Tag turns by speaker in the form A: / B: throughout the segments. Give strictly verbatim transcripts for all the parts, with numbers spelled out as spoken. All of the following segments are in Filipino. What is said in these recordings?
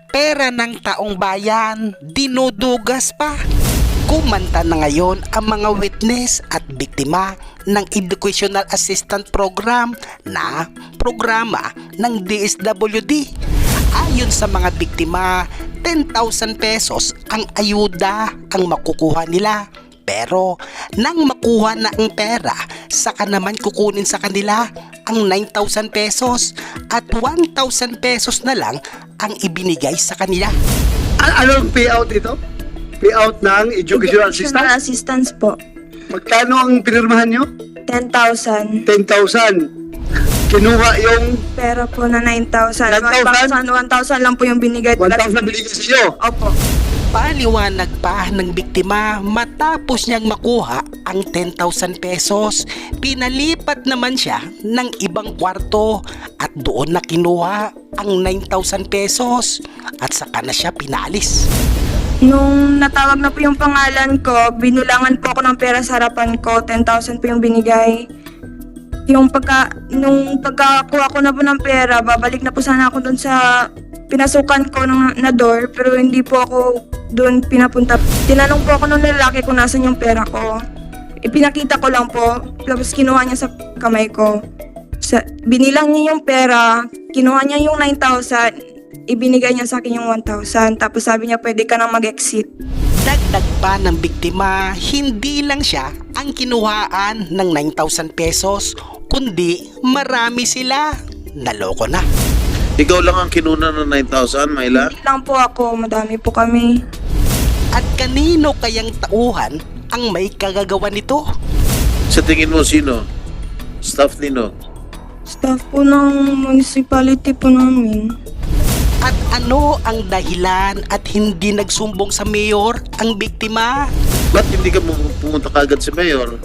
A: Pera ng taong bayan, dinudugas pa. Kumanta na ngayon ang mga witness at biktima ng Educational Assistance Program na programa ng D S W D. Ayon sa mga biktima, ten thousand pesos ang ayuda ang makukuha nila. Pero nang makuha na ang pera, saka naman kukunin sa kanila ang nine thousand pesos at one thousand pesos na lang ang ibinigay sa kanila.
B: A- anong payout ito? Payout ng educational
C: Educational
B: assistance?
C: assistance po.
B: Magkano ang pinirmahan nyo?
C: ten thousand.
B: ten thousand. Kinuha yung
C: Pera po na nine thousand.
B: nine thousand?
C: one thousand lang po yung binigay.
B: one thousand binigay sa iyo.
C: Opo.
A: Paliwanag pa ng biktima, matapos niyang makuha ang ten thousand pesos, pinalipat naman siya ng ibang kwarto at doon na kinuha ang nine thousand pesos at saka na siya pinalis.
C: Nung natawag na po yung pangalan ko, binulangan po ako ng pera sa harapan ko. ten thousand po yung binigay. Yung pagka, nung pagkakuha ko na po ng pera, babalik na po sana ako dun sa pinasukan ko ng, na door, pero hindi po ako doon pinapunta. Tinanong po ako ng lalaki kung nasan yung pera ko. Ipinakita ko lang po, tapos kinuha niya sa kamay ko. Sa, binilang niya yung pera, kinuha niya yung nine thousand, ibinigay niya sa akin yung one thousand, tapos sabi niya pwede ka nang mag-exit.
A: Dagdag pa ng biktima, hindi lang siya ang kinuhaan ng nine thousand pesos, kundi marami sila. Naloko na.
D: Ikaw lang ang kinuna ng nine thousand, Myla?
C: Hindi lang po ako, madami po kami.
A: At kanino kayang tauhan ang may kagagawa nito?
D: Sa tingin mo, sino? Staff nino?
C: Staff po ng municipality po namin.
A: At ano ang dahilan at hindi nagsumbong sa mayor ang biktima?
D: Ba't hindi ka pum- pumunta kagad sa mayor?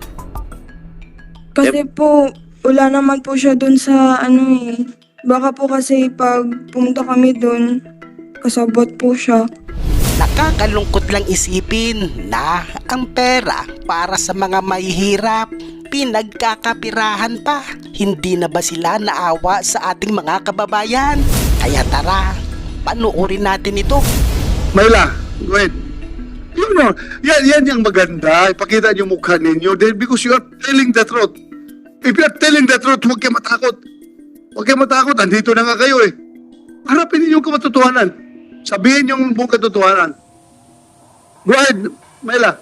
C: Kasi po, wala naman po siya dun sa ano eh. Baka po kasi pag pumunta kami dun, kasabot po siya.
A: Nakakalungkot lang isipin na ang pera para sa mga mahihirap, pinagkakapirahan pa. Hindi na ba sila naawa sa ating mga kababayan? Kaya tara, panuorin natin ito.
B: Mayla, wait. You know, yan, yan yung maganda. Ipakita niyo mukha ninyo. Then because you are telling the truth. If you are telling the truth, huwag kayo matakot. Huwag kayo matakot. Andito na nga kayo eh. Harapin ninyo yung katotohanan. Sabihin yung buong katotohanan. Go ahead, Mayla.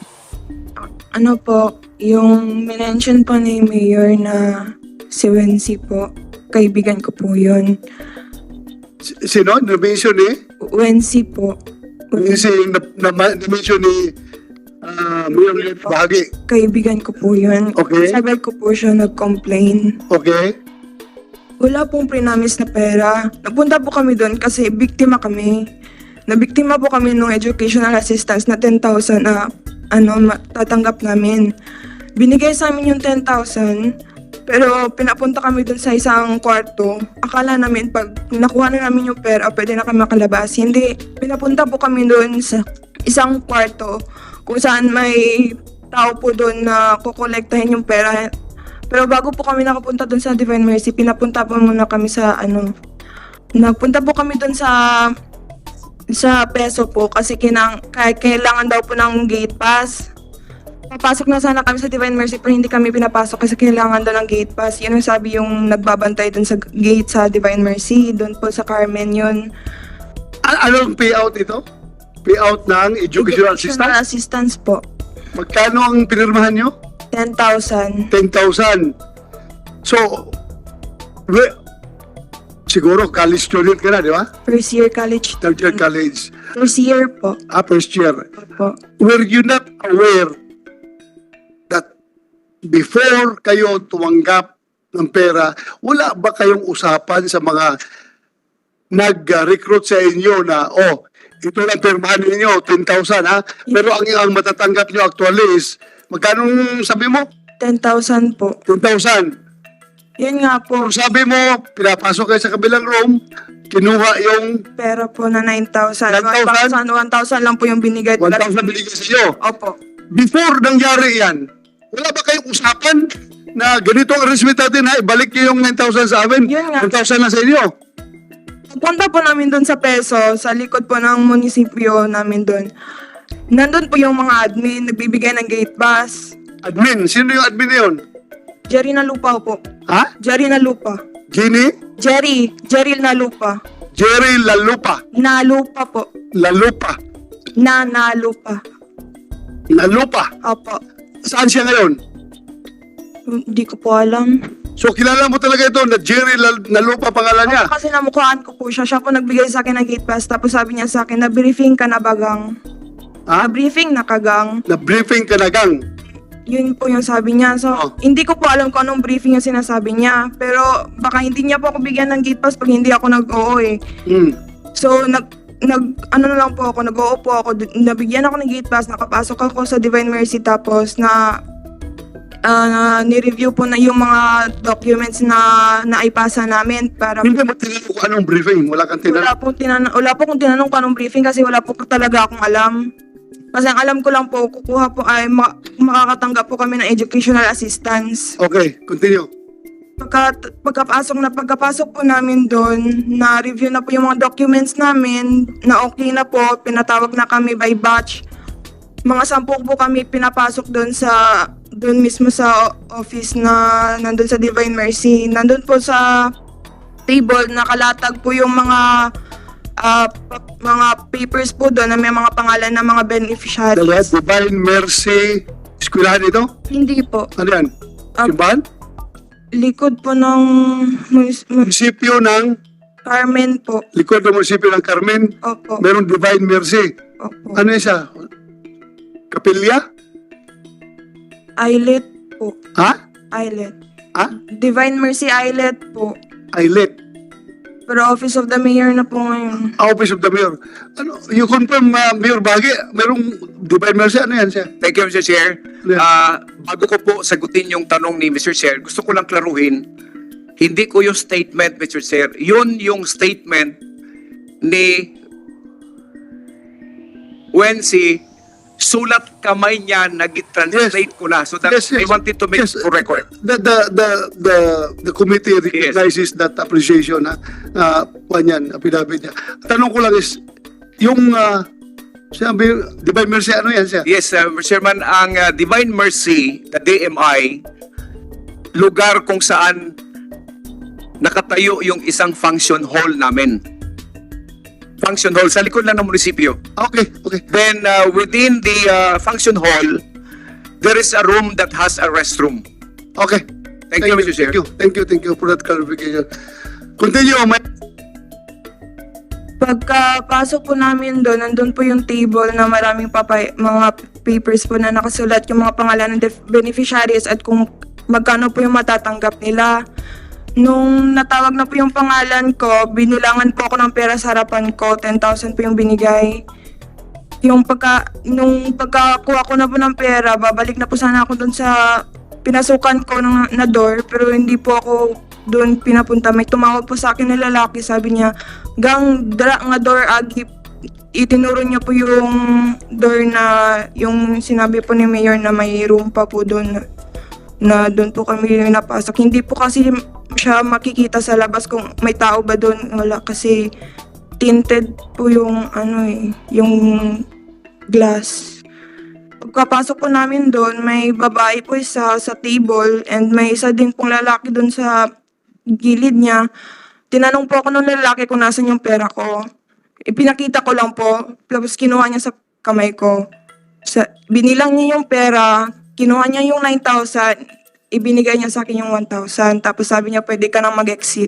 C: Ano po, yung minention po ni Mayor na si Wency po, kaibigan ko po yun.
B: S- Sino? Na-mention ni?
C: Wency po.
B: Kasi na, na, na-mention ni uh, Mayor Bahagi.
C: Kaibigan ko po yun.
B: Okay.
C: Sabi ko po siya nag-complain.
B: Okay?
C: Wala pong prinamis na pera. Napunta po kami doon kasi biktima kami. Nabiktima po kami ng educational assistance na ten thousand na ano, tatanggap namin. Binigay sa amin yung ten thousand, pero pinapunta kami doon sa isang kwarto. Akala namin pag nakuha na namin yung pera, pwede na kami makalabas. Hindi. Pinapunta po kami doon sa isang kwarto kung saan may tao po doon na kukolektahin yung pera. Pero bago po kami nakapunta doon sa Divine Mercy, pinapunta po muna kami sa ano, nagpunta po kami doon sa sa peso po kasi kinang, kailangan daw po ng gate pass. Papasok na sana kami sa Divine Mercy pero hindi kami pinapasok kasi kailangan daw ng gate pass. Yun yung sabi yung nagbabantay doon sa gate sa Divine Mercy, doon po sa Carmen yun.
B: A- anong payout ito? Payout ng educational assistance?
C: assistance po.
B: Magkano ang pinirmahan nyo?
C: ten thousand.
B: ten thousand. So, we, siguro college student ka na, di ba?
C: First year college.
B: Third year college.
C: First year po.
B: Ah, first year.
C: po.
B: Were you not aware that before kayo tumanggap ng pera, wala ba kayong usapan sa mga nag-recruit sa inyo na, oh, ito lang pirmahan ninyo, ten thousand ha? Pero ang, ang matatanggap nyo actually is, magkano sabi mo?
C: ten thousand po.
B: ten thousand.
C: Yun nga po.
B: Kung sabi mo, pinapasok kayo sa kabilang room, kinuha yung
C: Pera po na nine thousand.
B: nine thousand?
C: one thousand lang po yung binigay.
B: one thousand binigay sa iyo.
C: Opo.
B: Before nangyari yan, wala ba kayong usapan na ganito ang arrangement natin ha, ibalik niyo yung nine thousand sa amin,
C: Yun nga.
B: one thousand na sa inyo?
C: Punta po namin doon sa Peso, sa likod po ng munisipyo namin doon. Nandun po yung mga admin, nagbibigay ng gate pass.
B: Admin, sino yung admin na yun?
C: Jerry na lupa po.
B: Ha?
C: Jerry na lupa.
B: Ginny?
C: Jerry, Jerry na lupa.
B: Jerry Lalupa.
C: Na lupa po.
B: Lalupa.
C: Na na lupa.
B: Lalupa.
C: Opo.
B: Saan siya ngayon?
C: Hindi ko po alam.
B: So kilala mo talaga ito na Jerry Lal- Lalupa pangalan niya?
C: Kasi namukhaan ko po siya. Siya po nagbigay sa akin ng gate pass. Tapos sabi niya sa akin, na-briefing ka na bagang.
B: Ha?
C: Na-briefing na kagang.
B: Na-briefing ka na gang.
C: Yun po yung sabi niya. So,
B: Oh.
C: hindi ko po alam kung anong briefing yung sinasabi niya. Pero baka hindi niya po ako bigyan ng gate pass pag hindi ako nag-oo eh.
B: Hmm.
C: So, nag, nag, ano na lang po ako, nag-oo po ako. D- Nabigyan ako ng gate pass, nakapasok ako sa Divine Mercy tapos na ah, na ni-review po na yung mga documents na naipasa namin para
B: Hindi mo tinanong kung anong briefing. Wala kang
C: wala
B: tinanong.
C: po tinanong, wala po kung tinanong kung anong briefing kasi wala po talaga akong alam. Kasi ang alam ko lang po, kukuha po ay ma- makakatanggap po kami ng educational assistance.
B: Okay, continue.
C: Pagka, pagkapasok na pagkapasok po namin doon, na-review na po yung mga documents namin, na okay na po, pinatawag na kami by batch. Mga sampu po kami pinapasok doon sa, doon mismo sa office na nandun sa Divine Mercy. Nandun po sa table, nakalatag po yung mga ah, pa- mga papers po doon na may mga pangalan ng mga
B: Dalawa,
C: beneficiaries.
B: Divine Mercy. Eskwelahan ito?
C: Hindi po.
B: Ano yan?
C: Ah.
B: Simbahan?
C: Likod po ng munis- mu-
B: Munisipyo ng,
C: Carmen po.
B: likod ng munisipyo ng Carmen.
C: Opo.
B: Meron Divine Mercy.
C: Opo.
B: Ano yun siya? Kapilya?
C: Islet po.
B: Ha?
C: Islet.
B: Ha?
C: Divine Mercy Islet po.
B: Islet.
C: Pero Office of the Mayor na po ngayon.
B: Office of the Mayor. Ano, you confirm, uh, Mayor Bagi, merong Divine Mercy, ano yan siya?
E: Thank you, Mister Chair.
B: Yeah.
E: Ah, bago ko po sagutin yung tanong ni Mister Chair, gusto ko lang klaruhin, hindi ko yung statement, Mister Chair, yun yung statement ni Wency, sulat kamay niya, nag-translate ko na. So that
B: Yes, yes.
E: I wanted to make
B: Yes,
E: for record.
B: The, the, the, the, the committee recognizes that appreciation, ha? Uh, yan, affidavit niya. Tanong ko lang is, yung, uh, sabi, Divine Mercy, ano yan siya?
E: Yes, uh, Mister Chairman, ang uh, Divine Mercy, the D M I, lugar kung saan nakatayo yung isang function hall namin. Function hall, sa likod lang ng munisipyo.
B: Okay, okay.
E: Then uh, within the uh, function hall, there is a room that has a restroom.
B: Okay.
E: Thank you, Mister Chair.
B: Thank you, thank you, thank you for that clarification. Continue, may...
C: Pagkapasok po namin doon, nandun po yung table na maraming papay, mga papers po na nakasulat yung mga pangalan ng def- beneficiaries at kung magkano po yung matatanggap nila. Nung natawag na po yung pangalan ko, binulangan po ako ng pera sa harapan ko, ten thousand po yung binigay. Yung pagka, nung pagkakuha ko na po ng pera, babalik na po sana ako doon sa pinasukan ko ng, na door, pero hindi po ako doon pinapunta. May tumawag po sa akin na lalaki, sabi niya, gang dra nga door agi, itinuro niya po yung door na, yung sinabi po ni Mayor na may room pa po doon, na doon po kami napasok. Hindi po kasi siya makikita sa labas kung may tao ba doon. Wala kasi tinted po yung ano eh, yung glass. Pagkapasok po namin doon, may babae po isa sa table and may isa din pong lalaki doon sa gilid niya. Tinanong po ako ng lalaki kung nasan yung pera ko. Ipinakita ko lang po, tapos kinuha niya sa kamay ko. Sa, binilang niya yung pera, kinuha niya yung nine thousand, ibinigay niya sa akin yung one thousand, tapos sabi niya pwede ka nang mag-exit.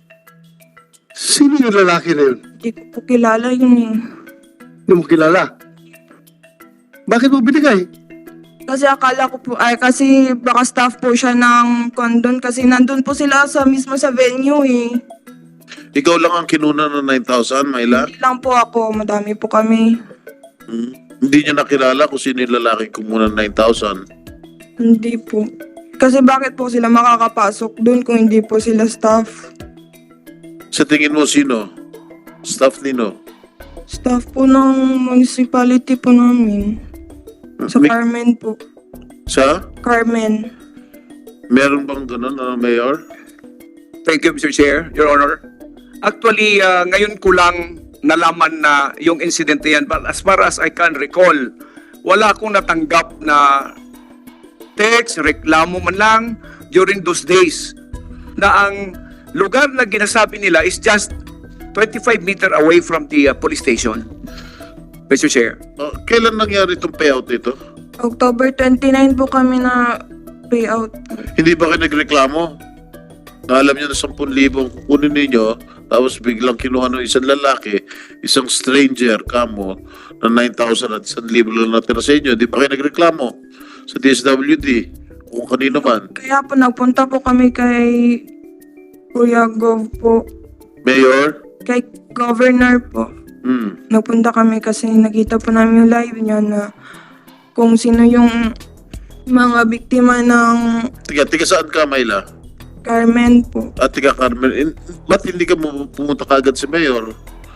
B: Sino yung lalaki na yun?
C: Hindi ko po kilala yun eh.
B: Hindi mo kilala? Bakit mo binigay?
C: Kasi akala ko po, ay kasi baka staff po siya ng condon kasi nandun po sila sa mismo sa venue eh.
D: Ikaw lang ang kinuna ng nine thousand, Myla?
C: Hindi lang po ako, madami po kami.
D: Hmm? Hindi niya nakilala kung sino yung lalaki kumuna ng nine thousand.
C: Hindi po. Kasi bakit po sila makakapasok dun kung hindi po sila staff?
D: Sa tingin mo, sino? Staff nino?
C: Staff po ng municipality po namin. Sa
D: May-
C: Carmen po.
D: Sa?
C: Carmen.
D: Meron bang ganun, ano, Mayor?
E: Thank you, Mister Chair, Your Honor. Actually, ah, ngayon ko lang nalaman na yung incident na yan. But as far as I can recall, wala akong natanggap na text, reklamo man lang during those days na ang lugar na ginasabi nila is just twenty-five meter away from the ah, police station. Mister Chair.
D: Oh, kailan nangyari itong payout nito?
C: October twenty-nine po kami na payout.
D: Hindi ba kayo nagreklamo? Na alam nyo na ten thousand kunin ninyo, tapos biglang kinuha ng isang lalaki, isang stranger, kamo, na nine thousand at one thousand lang natira sa inyo. Hindi ba kayo nagreklamo sa D S W D? Kung kanino man.
C: Kaya po nagpunta po kami kay Kuya Gov po,
D: Mayor?
C: kay Governor po.
D: Hmm.
C: Nagpunta kami kasi nakita po namin yung live niya na kung sino yung mga biktima ng
D: Tiga, tiga saan ka, Mayla?
C: Carmen po.
D: At tiga Carmen, in, ba't hindi ka mu- pumunta kagad si Mayor?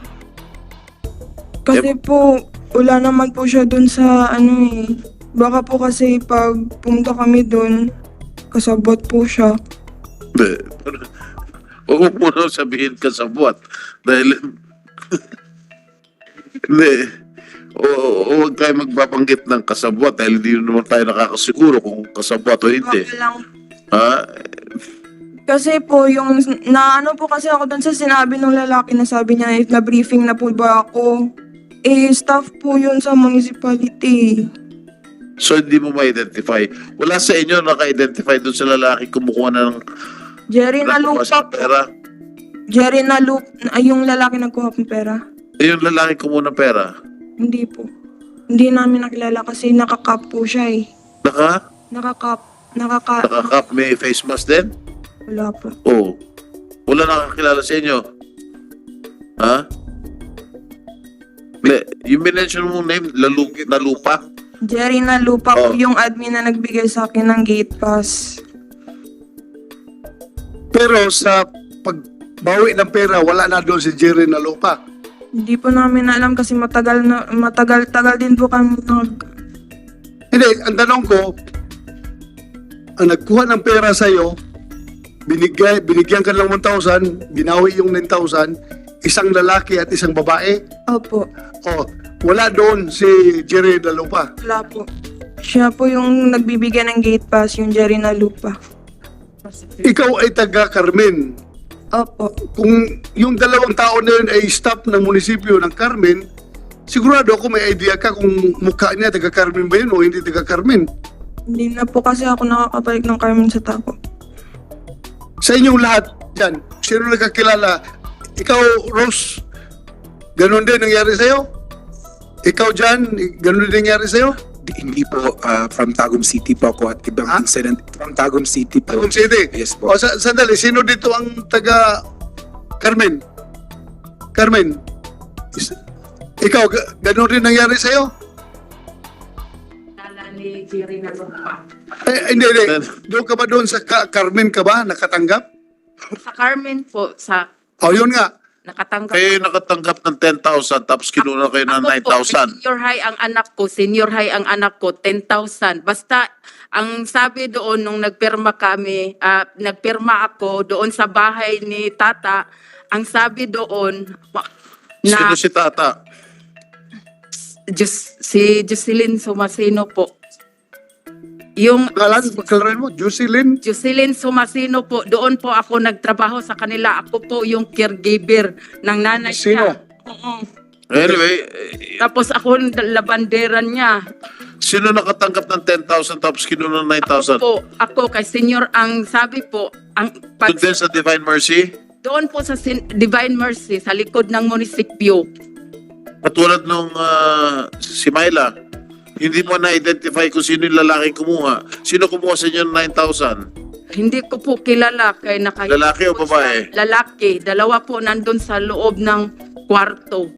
C: Kasi po, wala naman po siya dun sa ano eh. Baka po kasi pag pumunta kami dun, kasabot po siya.
D: Hindi. Huwag mo muna sabihin ka sa buwan. Dahil... Hindi. O, o huwag tayo magbabanggit ng kasabwat dahil hindi naman tayo nakakasiguro kung kasabwat o hindi.
C: Baka lang.
D: Ha?
C: Kasi po, yung naano po kasi ako dun sa sinabi ng lalaki na sabi niya, na briefing na po ba ako? Eh, staff po yun sa municipality.
D: So hindi mo ma-identify. Wala sa inyo naka-identify doon sa lalaki kumukuha ng
C: Jerry na
D: nakuha
C: lupa
D: sa
C: po.
D: pera.
C: Jerry na lupa, ay yung lalaki nagkuha ng pera.
D: Eh, yung lalaki kumuha ng pera.
C: Hindi po. Hindi namin nakilala kasi nakakap po siya eh.
D: Naka?
C: Nakakap. Nakaka...
D: Nakakap may face mask din?
C: Wala po.
D: Oo. Wala nakakilala sa inyo. Ha? Le, yung minention mong name, lalu, na lupa.
C: Jerry na lupa po
D: Oh.
C: yung admin na nagbigay sa akin ng gate pass.
B: Pero sa pagbawi ng pera, wala na doon si Jerry na lupa.
C: Hindi po namin alam kasi matagal na matagal-tagal din po kami nag
B: Hindi, ang tanong ko, ang nagkuha ng pera sa'yo, binigay, binigyan ka ng one thousand, binawi yung nine thousand, isang lalaki at isang babae.
C: Opo.
B: O, wala doon si Jerry na lupa.
C: Wala po. Siya po yung nagbibigay ng gate pass, yung Jerry na lupa.
B: Ikaw ay taga Carmen.
C: Opo.
B: Kung yung dalawang tao na yun ay staff ng munisipyo ng Carmen, sigurado ako may idea ka kung mukha niya taga Carmen ba yun o hindi taga Carmen.
C: Hindi na po kasi ako nakakabalik ng Carmen sa Taco.
B: Sa inyong lahat dyan, sino nagkakilala? Ikaw, Rose, ganun din nangyari sa'yo? Ikaw, Jan, ganun din nangyari sa'yo?
F: Di- Hindi po, ah, from Tagum City po ako at ibang
B: Ha?
F: incident. From Tagum City po.
B: Tagum City?
F: Yes po.
B: O, sa sandali, sino dito ang taga Carmen? Carmen? Is- Ikaw, ga- ganun din nangyari sa'yo?
G: ni Jerry na lupa.
B: Eh, hindi, hindi. Doon ka ba doon sa Ka- Carmen ka ba nakatanggap?
G: Sa Carmen po, sa
B: O, yun nga.
G: nakatanggap.
D: Kayo nakatanggap ng ten thousand tapos kinuha kayo ng
G: Ako
D: nine
G: po,
D: thousand.
G: Senior high ang anak ko, senior high ang anak ko, ten thousand. Basta, ang sabi doon nung nagpirma kami, ah, nagpirma ako doon sa bahay ni Tata, ang sabi doon, wa-
D: Sino
G: na
D: si Tata?
G: Jus, si Jocelyn Sumasino po. Yung
B: Kalan, pagkalaran mo, Jocelyn.
G: Jocelyn Sumasino po, doon po ako nagtrabaho sa kanila. Ako po yung caregiver ng nanay
B: Sino?
G: niya. Oo.
D: Anyway, eh,
G: Tapos ako yung labanderan niya.
D: sino nakatanggap ng ten thousand tapos kinuha ng nine
G: Ako
D: thousand?
G: po, ako kay senior, ang sabi po, ang pag,
D: Doon din sa Divine Mercy?
G: doon po sa Sin- Divine Mercy, sa likod ng munisipyo.
D: Katulad nung ah, si Myla, hindi mo na-identify kung sino yung lalaki kumuha. Sino kumuha sa inyo ng nine thousand?
G: Hindi ko po kilala kay nakahipo
D: Lalaki o
G: po
D: babae?
G: siya. Lalaki. Dalawa po nandun sa loob ng kwarto.